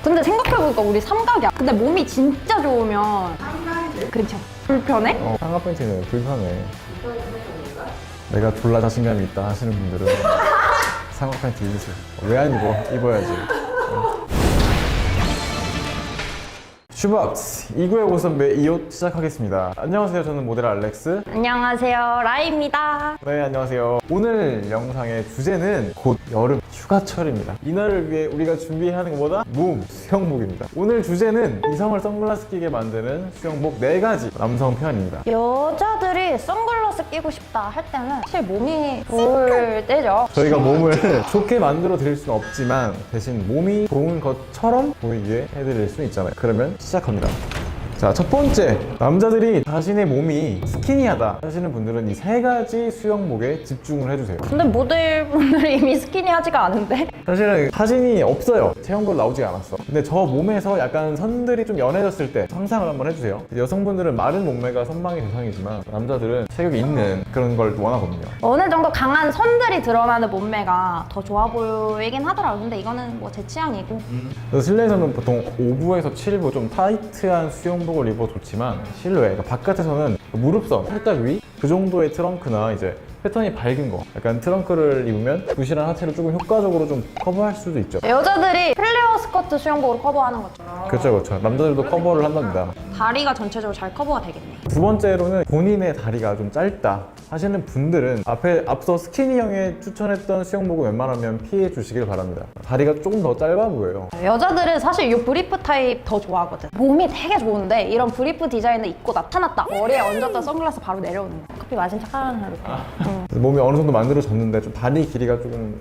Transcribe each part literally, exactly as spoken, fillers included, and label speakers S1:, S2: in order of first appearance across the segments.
S1: 근데 생각해보니까 우리 삼각이야. 근데 몸이 진짜 좋으면 그렇죠. 불편해?
S2: 어, 삼각 팬티는 불편해. 내가 졸라 자신감이 있다 하시는 분들은 삼각 팬티 입으세요. 왜 안 입어? 입어야지. 어. 슈박스 이 구의 고선배 이 옷 시작하겠습니다. 안녕하세요. 저는 모델 알렉스.
S1: 안녕하세요. 라이입니다.
S2: 네, 안녕하세요. 오늘 영상의 주제는 곧 여름 휴가철입니다. 이날을 위해 우리가 준비해야 하는 것보다 몸, 수영복입니다. 오늘 주제는 이성을 선글라스 끼게 만드는 수영복 네 가지 남성 편입니다.
S1: 여자들이 선글라스 끼고 싶다 할 때는 사실 몸이 좋을 때죠.
S2: 저희가 몸을 좋게 만들어 드릴 수는 없지만 대신 몸이 좋은 것처럼 보이게 해드릴 수 있잖아요. 그러면 시작합니다. 자, 첫 번째, 남자들이 자신의 몸이 스키니하다 하시는 분들은 이 세 가지 수영복에 집중을 해주세요.
S1: 근데 모델분들이 이미 스키니하지가 않은데?
S2: 사실은 사진이 없어요. 체형별 나오지 않았어. 근데 저 몸에서 약간 선들이 좀 연해졌을 때 상상을 한번 해주세요. 여성분들은 마른 몸매가 선망의 대상이지만 남자들은 체격이 있는 그런 걸 원하거든요.
S1: 어느 정도 강한 선들이 드러나는 몸매가 더 좋아 보이긴 하더라고요. 근데 이거는 뭐 제 취향이고.
S2: 그래서 실내에서는 보통 오 부에서 칠 부 좀 타이트한 수영복을 입어 좋지만 실외, 그러니까 바깥에서는 무릎선, 팔딱 위 그 정도의 트렁크나 이제 패턴이 밝은 거, 약간 트렁크를 입으면 부실한 하체를 조금 효과적으로 좀 커버할 수도 있죠.
S1: 여자들이 플레어 스커트 수영복으로 커버하는 거죠.
S2: 그렇죠, 그렇죠. 남자들도 커버를 한답니다.
S1: 다리가 전체적으로 잘 커버가 되겠네.
S2: 두 번째로는 본인의 다리가 좀 짧다 하시는 분들은 앞에 앞서 스키니형에 추천했던 수영복을 웬만하면 피해 주시길 바랍니다. 다리가 조금 더 짧아 보여요.
S1: 여자들은 사실 이 브리프 타입 더 좋아하거든. 몸이 되게 좋은데 이런 브리프 디자인을 입고 나타났다. 머리에 얹었다 선글라스 바로 내려오는 거야. 커피 마신 착한 하루. 응.
S2: 몸이 어느 정도 만들어졌는데 좀 다리 길이가 조금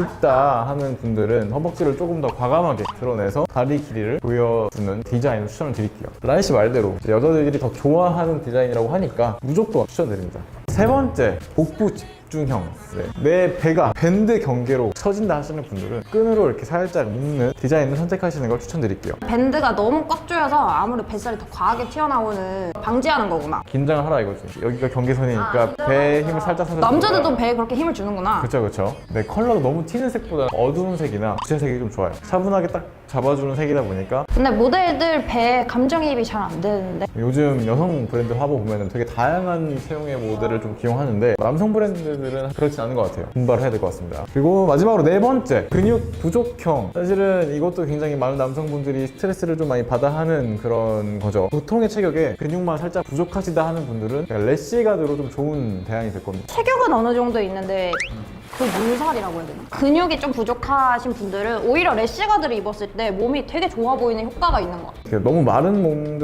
S2: 아쉽다 하는 분들은 허벅지를 조금 더 과감하게 드러내서 다리 길이를 보여주는 디자인을 추천을 드릴게요. 라이 씨 말대로 여자들이 더 좋아하는 디자인이라고 하니까 무조건 추천드립니다. 세 번째, 복부 집중형. 네. 내 배가 밴드 경계로 처진다 하시는 분들은 끈으로 이렇게 살짝 묶는 디자인을 선택하시는 걸 추천드릴게요.
S1: 밴드가 너무 꽉 조여서 아무래도 뱃살이 더 과하게 튀어나오는 방지하는 거구나.
S2: 긴장을 하라 이거지. 여기가 경계선이니까 배에 힘을 살짝 살짝
S1: 남자들도 배에 그렇게 힘을 주는구나.
S2: 그렇죠, 그렇죠. 네, 컬러도 너무 튀는 색보다 어두운 색이나 구체색이 좀 좋아요. 차분하게 딱 잡아주는 색이다 보니까.
S1: 근데 모델들 배에 감정이입이 잘 안 되는데.
S2: 요즘 여성 브랜드 화보 보면은 되게 다양한 체형의 모델을 좀 기용하는데 남성 브랜드들은 그렇진 않은 것 같아요. 분발을 해야 될 것 같습니다. 그리고 마지막으로 네 번째, 근육 부족형. 사실은 이것도 굉장히 많은 남성분들이 스트레스를 좀 많이 받아 하는 그런 거죠. 보통의 체격에 근육만 살짝 부족하시다 하는 분들은 래시가드로 좀 좋은 대안이 될 겁니다.
S1: 체격은 어느 정도 있는데 그 물살이라고 해야 되나? 근육이 좀 부족하신 분들은 오히려 래시가드를 입었을 때 몸이 되게 좋아 보이는 효과가 있는 것 같아요.
S2: 너무 마른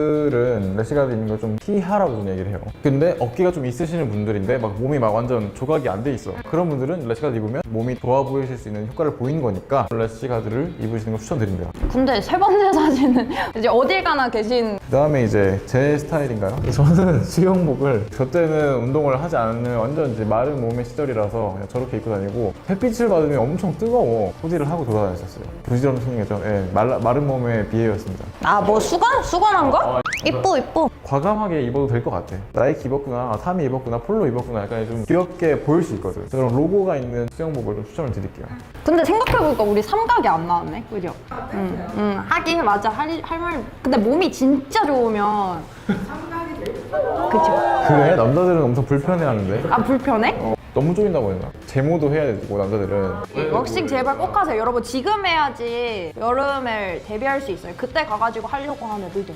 S2: 몸들은 래시가드 있는 걸 좀 피하라고 좀 얘기를 해요. 근데 어깨가 좀 있으시는 분들인데 막 몸이 막 완전 조각이 안 돼 있어. 그런 분들은 래시가드 입으면 몸이 좋아 보이실 수 있는 효과를 보이는 거니까 래시가드를 입으시는 걸 추천드립니다.
S1: 근데 세 번째 사진은 이제 어딜 가나 계신
S2: 그 다음에 이제 제 스타일인가요? 저는 수영복을 저 때는 운동을 하지 않는 완전 이제 마른 몸의 시절이라서 그냥 저렇게 입고 다니고 햇빛을 받으면 엄청 뜨거워 후디를 하고 돌아다녔었어요. 부지런한 성이죠. 예, 말라, 마른 몸의 비애였습니다.
S1: 아 뭐 수건? 수건한 거? 이뻐 이뻐.
S2: 과감하게 입어도 될 것 같아. 나이키 입었구나, 아, 타미 입었구나, 폴로 입었구나 약간 좀 귀엽게 보일 수 있거든. 그런 로고가 있는 수영복을 좀 추천을 드릴게요.
S1: 근데 생각해보니까 우리 삼각이 안 나왔네, 그죠? 응, 응, 하긴 맞아. 할, 할 말. 근데 몸이 진짜 좋으면 삼각이 될 그쵸?
S2: 그래? 남자들은 엄청 불편해하는데
S1: 아 불편해?
S2: 어, 너무 쪼인다고 했나? 제모도 해야 되고 남자들은.
S1: 웍싱 제발 꼭 하세요. 여러분 지금 해야지 여름에 데뷔할 수 있어요. 그때 가가지고 하려고 하면 늦어.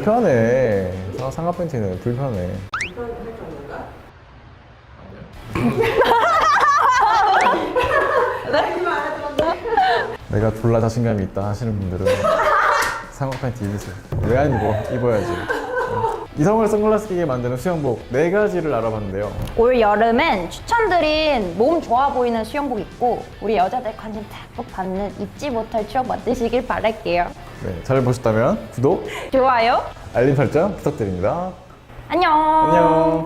S2: 불편해. 아, 상하 팬티는 불편해. 내가 졸라 자신감이 있다 하시는 분들은 상하 팬티 입으세요. 왜 안 입어? 입어야지. 이성을 선글라스 끼게 만드는 수영복 네 가지를 알아봤는데요.
S1: 올 여름엔 추천드린 몸 좋아 보이는 수영복 입고 우리 여자들 관심 탁 받는 잊지 못할 추억 만드시길 바랄게요.
S2: 네, 잘 보셨다면 구독,
S1: 좋아요.
S2: 알림 설정 부탁드립니다.
S1: 안녕.
S2: 안녕.